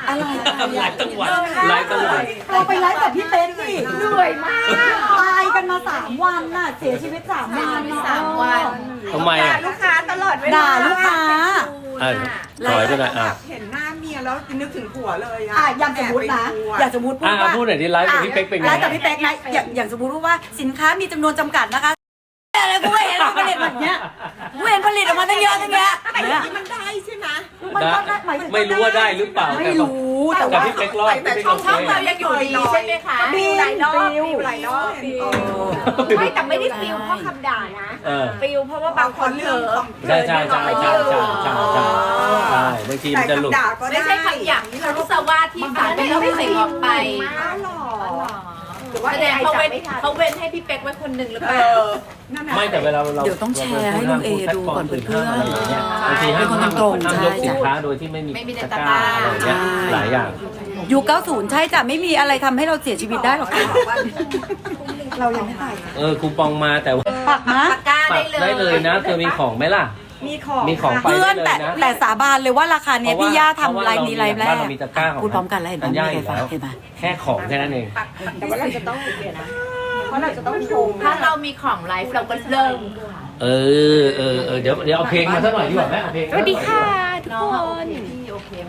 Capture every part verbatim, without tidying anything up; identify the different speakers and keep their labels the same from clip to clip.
Speaker 1: อะไร
Speaker 2: หลายจังหวัดหลายจังหวัด
Speaker 1: เราไปไลฟ์กับพี่เป๊กดิเหนื่อยมากตายกันมาสามวันน่ะเสียชีวิตสามวันสามวัน
Speaker 2: ทำไมอ่ะ
Speaker 3: ลูกค้าตลอดเวลา
Speaker 1: ด่าลูกค้า
Speaker 2: อ่ะถอยไปหน่อยอ่ะ
Speaker 3: เห็นหน้าเมียแล้วนึกถึงผัวเลยอ่ะ
Speaker 1: อ่ะอย่างสมมตินะอย่างสมมติพูด
Speaker 2: อ่ะ
Speaker 1: ว่า
Speaker 2: พูดหน่อยที่ไลฟ์กับพี่เป๊กเป็นไง
Speaker 1: ไลฟ์กับพี่เป๊กนะอย่างอย่างสมมติว่าสินค้ามีจำนวนจำกัดนะคะอะไรกูไม่เห็นผลิตแบบเนี้ยกูเห็นผลิตออกมาตั้งเยอะตั้งแยะ
Speaker 3: แต่อย่างนี้มันได้ใช่ไหม
Speaker 1: มันก็ได้หมายถึง
Speaker 2: ไม่รู้ว่าได้หรือเปล่า
Speaker 1: ไม่รู้แต่
Speaker 2: แต่
Speaker 1: ว่า
Speaker 2: พี่เป๊กรอด
Speaker 3: แต่
Speaker 2: พี่เป๊ก
Speaker 3: ช่อง
Speaker 2: โอ
Speaker 3: ช่อง
Speaker 2: เค
Speaker 3: เรายังอยู่ดีใช่ไหมคะ
Speaker 1: บิว
Speaker 3: หลายรอบ
Speaker 1: บิว
Speaker 3: หลายรอบ
Speaker 4: ไม่แต่ไม่ได้ฟิลเพราะคำด่านะ
Speaker 2: เออ
Speaker 4: ฟิลเพราะว่าบางคนเผลอ
Speaker 2: ใช่ใช่ใช่ใช่ใช่ใช่ใช่ใช่บางทีมันจะหลุด
Speaker 3: ด่าก็ได้
Speaker 4: ไม่ใช่คำหยาบที่เขารู้สว่าที่ฝันไม่ต้องใส่ออกไป
Speaker 3: อ้าวหรอ
Speaker 4: หรือว่าแสดงเขาเว้นเขาเว้นให้พี่เป๊กไว้คนหนึ่งหรือเป
Speaker 3: เอ
Speaker 4: ล่า
Speaker 3: อนั่นน่ะ
Speaker 2: ไม่แต่เวลาเรา
Speaker 1: เดี๋ยวต้องแชร์ให้ลุงเอดูก่อนเพื่อนๆ
Speaker 2: อะไรอย่างเงี้ยบางที
Speaker 1: เป็
Speaker 2: ห้าน ม
Speaker 1: คนตรงๆ
Speaker 2: ห้ามยก
Speaker 1: ใช่
Speaker 2: สินค้าโดยที่ไม่มี
Speaker 4: ไม่มีใน
Speaker 2: ตะ
Speaker 4: ตะ
Speaker 2: ก
Speaker 4: ก
Speaker 2: ร้า
Speaker 4: ร้า
Speaker 2: อะไรอย่างเงี้ยหลายอย่าง
Speaker 1: ยุคเก้าสิบใช่จ้ะไม่มีอะไรทำให้เราเสียชีวิตได้หรอกค่ะ
Speaker 3: เรายังไม่ตาย
Speaker 2: เออคูปองมาแต่ว่า
Speaker 1: ปักนะ
Speaker 4: ตะกร้า
Speaker 2: ปั
Speaker 4: ได้
Speaker 2: ก
Speaker 4: เลย
Speaker 2: ได้เลยนะเธอมีของไหมล่ะ
Speaker 3: มีของ
Speaker 2: มีของไป
Speaker 1: เพื่อน
Speaker 2: ได้เล
Speaker 1: แต่
Speaker 2: ยนะ
Speaker 1: แต่สาบานเลยว่าราคาเนี้ยพี่ย่าทำไลฟ์นี้ไลฟ์แรก
Speaker 2: บ้านเรามีตะกร้าของ
Speaker 1: พูดพร้อมกันแล้วเห็นไหม
Speaker 2: ธัญ
Speaker 1: ไม่
Speaker 2: ญา
Speaker 1: มี
Speaker 2: อ
Speaker 1: ใคร
Speaker 2: ยู่
Speaker 1: ฟัง
Speaker 2: แล้ว
Speaker 1: เห็นไหม
Speaker 2: แค่ของแค่นั้นเอง
Speaker 4: แต่ว่าเราจะต้องเดี๋ยวนะ
Speaker 3: เพราะเราจะต้องโชว์
Speaker 4: ถ้าเรามีของไลฟ์เราก็เริ่ม
Speaker 2: เออเออเออเดี๋ยวเดี๋ยวเอาเพลงมาสักหน่อยดีกว่าไหมเอาเพลง
Speaker 4: สวัสดีค่ะทุกคนพี่โอเคไหม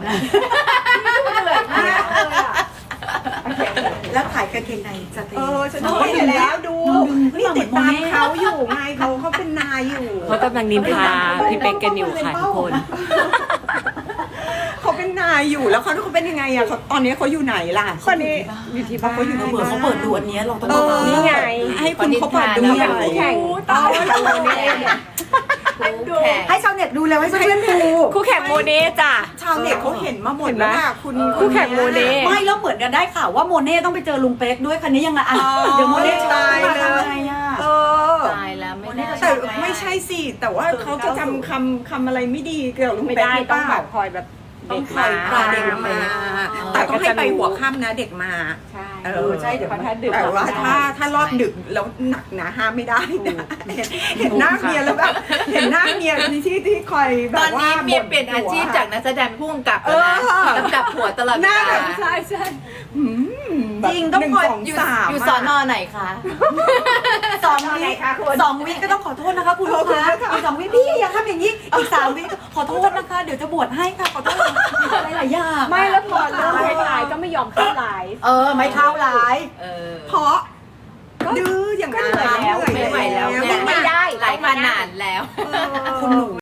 Speaker 1: แล้วขายกางเกงในสเต
Speaker 3: เอ
Speaker 1: ย์
Speaker 3: อฉันเห็นแล้วดูนี่ติดตามเขาอยู่ไงเขาเขาเป็นนายอยู่
Speaker 5: เขากำลังนินทาพี่เป๊กกันอยู่ค่ะทุกคน
Speaker 3: เขาเป็นนายอยู่แล้วเขาเขาเป็นยังไงอ่ะเขาตอนนี้เขาอยู่ไหนล่ะตอนนี้อยู่ที่บ้านเขาอยู่
Speaker 1: เผื่อเขาเปิดดูอันเนี้ยเราต้อง
Speaker 3: เออ
Speaker 1: นี่ไง
Speaker 3: ให้คุณเขาเปิดดูหน่อย
Speaker 4: แข่ง
Speaker 3: เอากันเลยเนี่ย
Speaker 4: ดูแข่ง
Speaker 1: ให้ชาวเน็ตดูแล้วให้เพื่อนๆดู
Speaker 5: คู่แข่งโมเน่จ้ะ
Speaker 3: ชาวเน็ตเขาเห็นมาหมดแล้วอะคุณ
Speaker 5: คู่แข่งโมเน่
Speaker 1: ไม่แล้วเหมือนกันได้ข่าวว่าโมเน่ต้องไปเจอลุงเป๊กด้วยคันนี้ยังไงอ่ะเดี๋ยวโมเน่จะ
Speaker 3: ตาย
Speaker 1: มา
Speaker 3: เลย
Speaker 1: ทำไงอ่ะ
Speaker 3: เออ
Speaker 4: ตายแล้วไม่ได้
Speaker 3: แต่ไม่ใช่สิแต่ว่าเขาจะจำคำคำอะไรไม่ดีเกี่ยวกับลุง
Speaker 5: ไม่
Speaker 3: เป๊ก
Speaker 5: ได้
Speaker 3: หรือเป
Speaker 5: ต้อง
Speaker 3: ล่า
Speaker 5: แบบคอยแบบ
Speaker 3: ต้
Speaker 5: เด็
Speaker 3: อง
Speaker 5: ก
Speaker 3: คอย
Speaker 5: มา
Speaker 3: พาเด็กมา แต่ต้องให้ไปหัวค่ำนะเด็กมา
Speaker 5: ใช่
Speaker 3: เออใช่เดี๋ยว
Speaker 5: เพราะถ้าดึก
Speaker 3: แต่ว่าถ้าถ้ารอบดึกแล้วหนักนะห้ามไม่ได้นะเห็นหน้าเมียแล้วแบบเห็นหน้าเมียที่ที่ที่คอยแบ
Speaker 4: ตอบ น
Speaker 3: ว่า
Speaker 4: นี้เมียเปลี่ยนอาชีพจากนักแสดงผู้กำกับแล้วนะ
Speaker 3: เออ
Speaker 4: กำกับผัวตลอด
Speaker 3: ห
Speaker 4: เว
Speaker 3: น้า
Speaker 4: ลา
Speaker 3: แบบใช่ใช่อืมแบบ
Speaker 1: จริงต้อง
Speaker 3: หนึ่
Speaker 1: คอย
Speaker 3: สอง
Speaker 4: อยู่
Speaker 3: สาม
Speaker 4: อยู่สอนอไหนคะ
Speaker 1: สองวิสองวิก็ต้องขอโทษนะคะคุณลูกค้าอีกสองวิพี่อย่าทำอย่างนี้อีกสามวิขอโทษนะคะเดี๋ยวจะบวชให้ค่ะขอโทษอะไรหลายอย่าง
Speaker 5: ไม่แล้วพอเริ่มท้ายๆก็ไม่ยอมเข้าไลฟ์
Speaker 1: เออไม่เข้าไลฟ์
Speaker 4: เออ
Speaker 3: เพราะดื้ออย่างนั้น
Speaker 5: ก็เหนื่อยแล้ว
Speaker 4: ไม่ไหวแล้ว
Speaker 3: เหนื่อย
Speaker 4: เนี่ย
Speaker 3: ไม่ได้
Speaker 4: ไลฟ์มานานแล้ว
Speaker 3: เออ
Speaker 1: คุณหนู